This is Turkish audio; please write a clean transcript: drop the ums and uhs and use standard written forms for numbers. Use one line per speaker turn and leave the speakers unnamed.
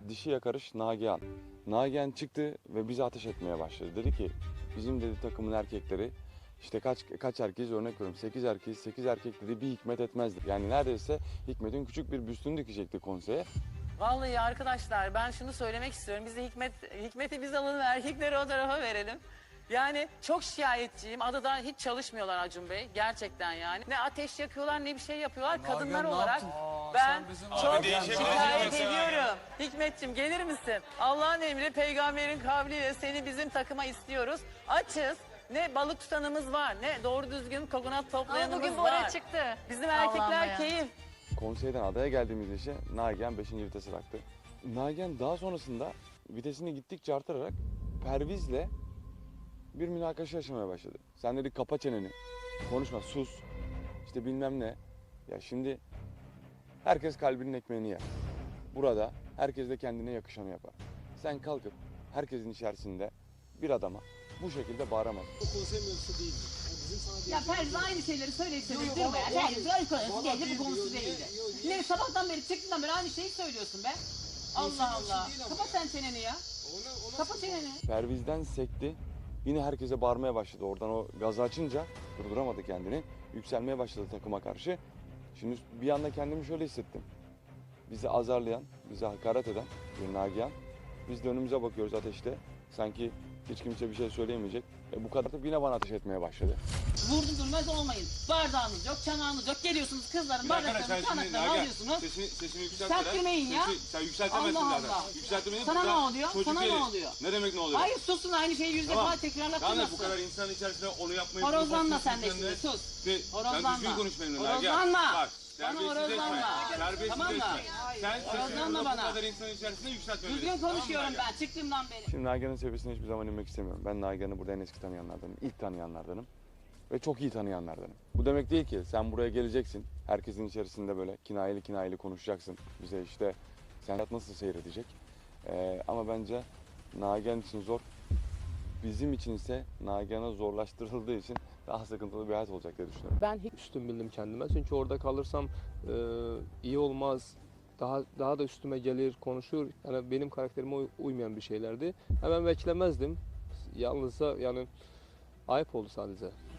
dişi yakarış Nagihan. Nagihan çıktı ve bizi ateş etmeye başladı. Dedi ki bizim dedi takımın erkekleri işte kaç erkeğiz örnek veriyorum 8 erkeğiz 8 erkek dedi bir Hikmet etmezdi. Yani neredeyse Hikmet'in küçük bir büstünü dikecekti konseye.
Vallahi arkadaşlar ben şunu söylemek istiyorum. Biz de Hikmet'i biz alalım, erkekleri o tarafa verelim. Yani çok şikayetçiyim. Adada hiç çalışmıyorlar Acun Bey. Gerçekten yani. Ne ateş yakıyorlar ne bir şey yapıyorlar. Kadınlar olarak ben çok şikayet ediyorum. Hikmetciğim gelir misin? Allah'ın emri peygamberin kavliyle seni bizim takıma istiyoruz. Açız. Ne balık tutanımız var, ne doğru düzgün kokonat toplayanımız
Ama bugün
var.
Bora çıktı.
Bizim
Allah'ım
erkekler
ya.
keyif.
Konseyden adaya geldiğimiz işe Nagihan 5. vitese taktı. Nagihan daha sonrasında vitesini gittikçe artırarak Perviz'le bir münakaşa yaşamaya başladı. Sen dedi kapa çeneni, konuşma, sus, işte bilmem ne. Ya şimdi herkes kalbinin ekmeğini yer. Burada herkes de kendine yakışanı yapar. Sen kalkıp herkesin içerisinde bir adama bu şekilde bağıramazsın.
O konsey mevzusu değil. Yani bizim sana
Ya Perviz aynı şeyleri söyleyip durma ya. Perviz öyle konusu geldi bu konusu değildi. Ne sabahtan beri çıktığından beri aynı şeyi söylüyorsun be. Allah Allah. Kapat sen çeneni ya. Kapat çeneni.
Perviz'den sekti. Yine herkese bağırmaya başladı. Oradan o gazı açınca durduramadı kendini. Yükselmeye başladı takıma karşı. Şimdi bir anda kendimi şöyle hissettim. Bizi azarlayan, bize hakaret eden bir Nagihan. Biz de önümüze bakıyoruz ateşte. Sanki hiç kimse bir şey söyleyemeyecek. Bu kadar da yine bana ateş etmeye başladı.
Vurdum durmaz olmayın. Bardağınız yok, çanağınız yok. Geliyorsunuz kızların bardaklarını, çanaklarını alıyorsunuz.
Sesini yükseltme.
Yükseltmeyin ya.
Sen yükseltemezsin
Allah
zaten.
Allah.
Yükseltmeyin.
Sana ne oluyor? Sana ne oluyor?
Ne demek ne oluyor?
Hayır susun aynı şeyi 100 defa tekrarlatmasın.
Yani bu kadar insanın içerisinde onu yapmayı...
Horozlanma sen de şimdi sus.
Sen düzgün konuş benimle.
Horozlanma.
Bak.
Bana horozlanma. Tamam mı?
Sen sesini
Horozlanma
bu
bana.
kadar insanın içerisinde yükseltme.
Düzgün konuşuyorum ben çıktığımdan beri.
Şimdi Nagihan'ın seviyesine hiçbir zaman inmek istemiyorum. Ben Nagihan'ı burada en eski tanıyanlardanım, ilk tanıyanlardanım. Ve çok iyi tanıyanlardanım. Bu demek değil ki sen buraya geleceksin, herkesin içerisinde böyle kinayeli konuşacaksın. Bize işte sen hayat nasıl seyredecek. Ama bence Nagihan için zor. Bizim için ise Nagihan'a zorlaştırıldığı için daha sıkıntılı bir hayat olacak diye düşünüyorum.
Ben hiç üstün bildim kendime çünkü orada kalırsam iyi olmaz. Daha da üstüme gelir, konuşur. Yani benim karakterime uymayan bir şeylerdi. Hemen beklemezdim. Yalnızsa yani ayıp oldu sadece.